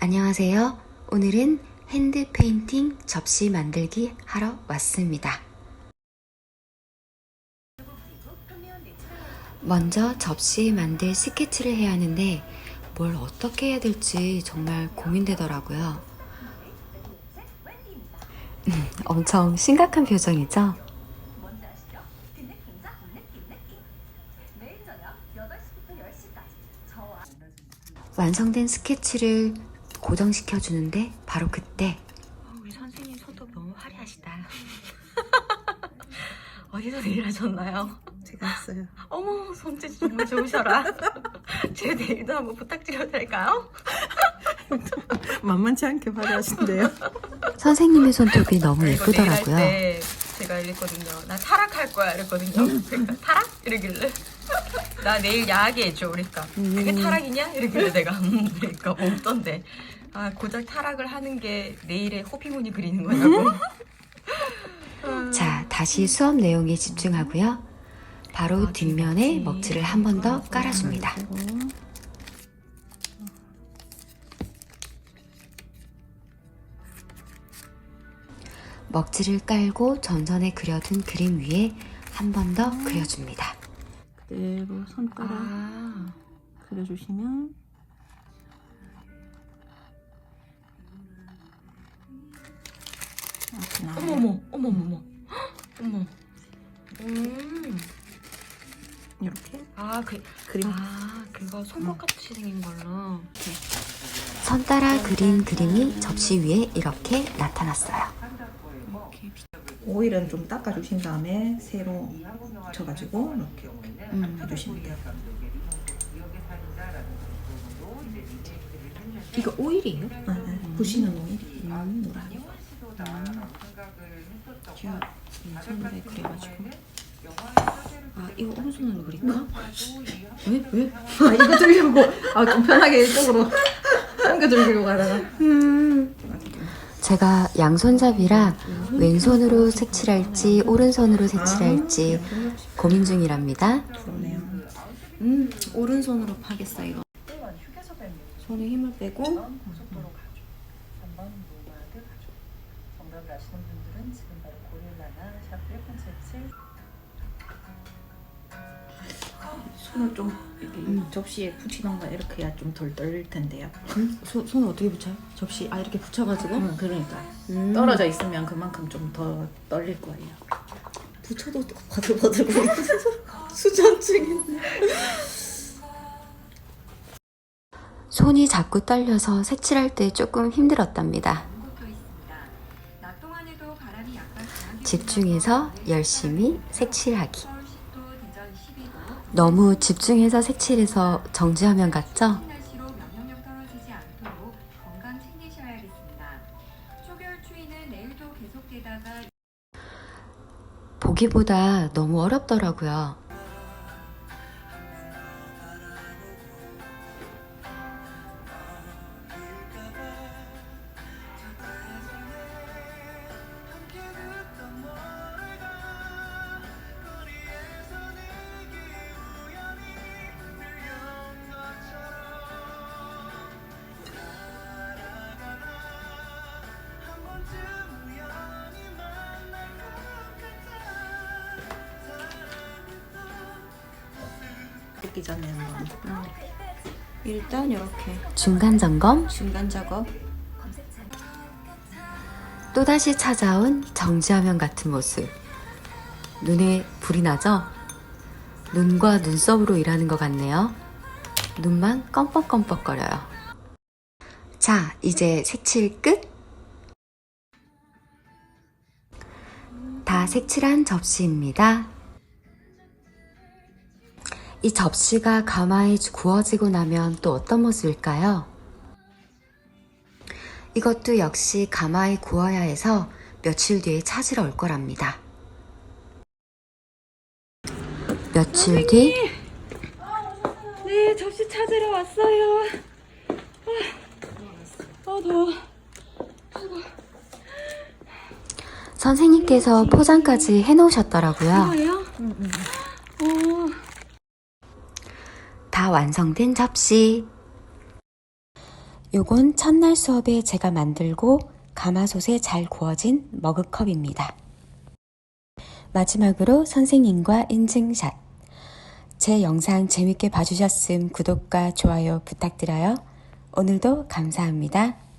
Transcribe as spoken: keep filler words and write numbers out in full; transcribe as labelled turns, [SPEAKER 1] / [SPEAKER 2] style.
[SPEAKER 1] 안녕하세요. 오늘은 핸드 페인팅 접시 만들기 하러 왔습니다. 먼저 접시 만들 스케치를 해야 하는데 뭘 어떻게 해야 될지 정말 고민되더라고요. 엄청 심각한 표정이죠? 완성된 스케치를 고정시켜 주는데 바로 그때
[SPEAKER 2] 어, 우리 선생님 손톱 너무 화려하시다. 어디서 네일 하셨나요?
[SPEAKER 3] 제가 했어요.
[SPEAKER 2] 어머, 손짓 정말 좋으셔라. 제 네일도 한번 부탁드려도 될까요?
[SPEAKER 3] 만만치 않게 화려하신데요.
[SPEAKER 1] 선생님의 손톱이 너무
[SPEAKER 2] 이거 네일 할
[SPEAKER 1] 예쁘더라고요.
[SPEAKER 2] 때 제가 이랬거든요. 나 타락할 거야 이랬거든요. 그러니까 타락? 이러길래 나 내일 야하게 해줘. 그러니까 그게 타락이냐? 이러길래 내가 음 그러니까 없던데 아 고작 타락을 하는 게 내일의 호피무늬 그리는 거냐고.
[SPEAKER 1] 자, 다시 수업 내용에 집중하고요. 바로 뒷면에 먹지를 한 번 더 깔아줍니다. 먹지를 깔고 전선에 그려둔 그림 위에 한 번 더 그려줍니다.
[SPEAKER 3] 그대로 손가락
[SPEAKER 2] 아,
[SPEAKER 3] 그려주시면 이렇게 나와요.
[SPEAKER 2] 어머머, 어머머머, 어머. 음,
[SPEAKER 3] 이렇게
[SPEAKER 2] 아, 그,
[SPEAKER 3] 그림
[SPEAKER 2] 아, 그거 손톱같이 생긴 걸로.
[SPEAKER 1] 선 따라 그린 그림이 접시 위에 이렇게 나타났어요.
[SPEAKER 3] 오일은 좀 닦아주신 다음에 새로 묻혀가지고 이렇게
[SPEAKER 1] 음.
[SPEAKER 3] 해주시면 돼요.
[SPEAKER 2] 이거 오일이에요?
[SPEAKER 3] 아, 네. 부시는 오일이 음, 노란.
[SPEAKER 2] 제가 손으로 그려가지고. 아, 이거 오른손으로 그릴까? 왜? 왜?
[SPEAKER 3] 아, 이거 들려고 아, 좀 편하게 이쪽으로 옮겨드리려고 하다가
[SPEAKER 1] 음. 제가 양손잡이라 왼손으로 색칠할지 오른손으로 색칠할지 고민 중이랍니다.
[SPEAKER 3] 그러네요.
[SPEAKER 2] 음, 오른손으로 파겠어, 이거. 손에 힘을 빼고.
[SPEAKER 4] 고속도로 가죠. 삼 번 노마드 가죠. 정답을 아시는 분들은 지금 바로 고릴라나 샵 일 번
[SPEAKER 3] 손을 좀 이렇게
[SPEAKER 2] 음.
[SPEAKER 3] 접시에 붙이는 거 이렇게 해야 좀 덜 떨릴 텐데요.
[SPEAKER 2] 손, 손을 어떻게 붙여요? 접시, 아, 이렇게 붙여가지고?
[SPEAKER 3] 음, 그러니까
[SPEAKER 2] 음.
[SPEAKER 3] 떨어져 있으면 그만큼 좀 더 떨릴 거예요. 붙여도 버들버들 수전증인데.
[SPEAKER 1] 손이 자꾸 떨려서 색칠할 때 조금 힘들었답니다. 집중해서 열심히 색칠하기. 너무 집중해서 색칠해서 정지화면 같죠? 보기보다 너무 어렵더라고요.
[SPEAKER 3] 뜯기 전에 한번
[SPEAKER 2] 일단 이렇게
[SPEAKER 1] 중간 점검,
[SPEAKER 2] 중간 작업.
[SPEAKER 1] 또다시 찾아온 정지화면 같은 모습. 눈에 불이 나죠? 눈과 눈썹으로 일하는 것 같네요. 눈만 껌뻑껌뻑거려요. 자, 이제 색칠 끝! 다 색칠한 접시입니다. 이 접시가 가마에 구워지고 나면 또 어떤 모습일까요? 이것도 역시 가마에 구워야 해서 며칠 뒤에 찾으러 올 거랍니다. 며칠 뒤
[SPEAKER 2] 네, 접시 찾으러 왔어요. 아, 아 더워.
[SPEAKER 1] 선생님께서 포장까지 해놓으셨더라고요.
[SPEAKER 2] 뭐예요? 응, 응. 오.
[SPEAKER 1] 다 완성된 접시. 요건 첫날 수업에 제가 만들고 가마솥에 잘 구워진 머그컵입니다. 마지막으로 선생님과 인증샷. 제 영상 재밌게 봐주셨음 구독과 좋아요 부탁드려요. 오늘도 감사합니다.